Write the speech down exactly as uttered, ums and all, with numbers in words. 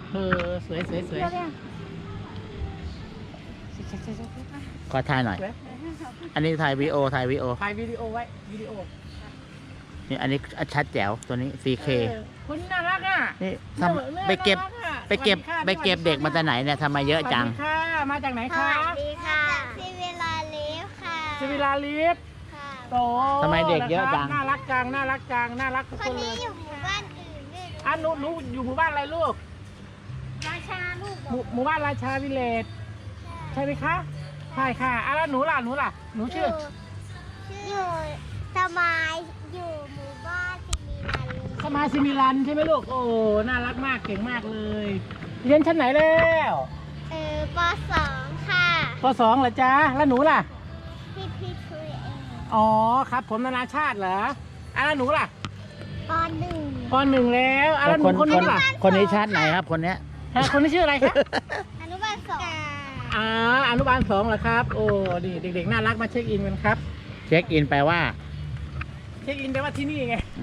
เออสวยสวยสวยขอถ่ายหน่อย อันนี้ถ่ายวีดีโอถ่ายวีดีโอถ่ายวิดีโอไว้วิดีโอนี่อันนี้ชัดแจ๋วตัวนี้ ซี เคเออคุณน่ารักอ่ะนี่เนื้อทำเนื้อไปเก็บน่ารัอะไปเก็บสวัสดีค่ะไปเก็บสวัสเด็กมาจากไหนเนี่ยทำไมเยอะจังสวัสดีค่ะมาจากไหนสคะวัสดีค่ะซีเวลาเลฟค่ะสิวิลาลิฟค่ะโตทำไมเด็กเยอะจังน่ารักจังน่ารักจังน่ารักทุกคคน นเลนี้ยอยู่หมู่บ้านอื่นด้วยอ่ะหนูหนูอยู่หมู่บ้านอะไรลูกราชาลูกหมู่หมู่บ้านราชาวิลเลจใช่ไหมคะใช่ค่ะอ่ะแล้วหนูล่ะหนูล่ะหนูชื่ออยู่สมายอยู่หมู่บ้านซิมิลันสมาซิมิลันใช่ไหมลูกโอ้น่ารักมากเก่งมากเลยเรียนชั้นไหนแล้วเออปสองค่ะปสองเหรอจ๊ะแล้วหนูล่ะพี่พี่ช่วยเองอ๋อครับผมนานาชาติเหรออ่ะแล้วหนูล่ะปหนึ่งปหนึ่งแล้วอ่ะแล้วหนูคนนู้นล่ะคนนี้ชาติไหนครับ คนเนี้ยฮะคนนี้ชื่ออะไรคะอนุบาลสองอ่าอนุบาลสองเหรอครับโอ้ดีเด็กๆน่ารักมาเช็คอินกันครับเช็คอินแปลว่าเช็คอินแปลว่าที่นี่ไง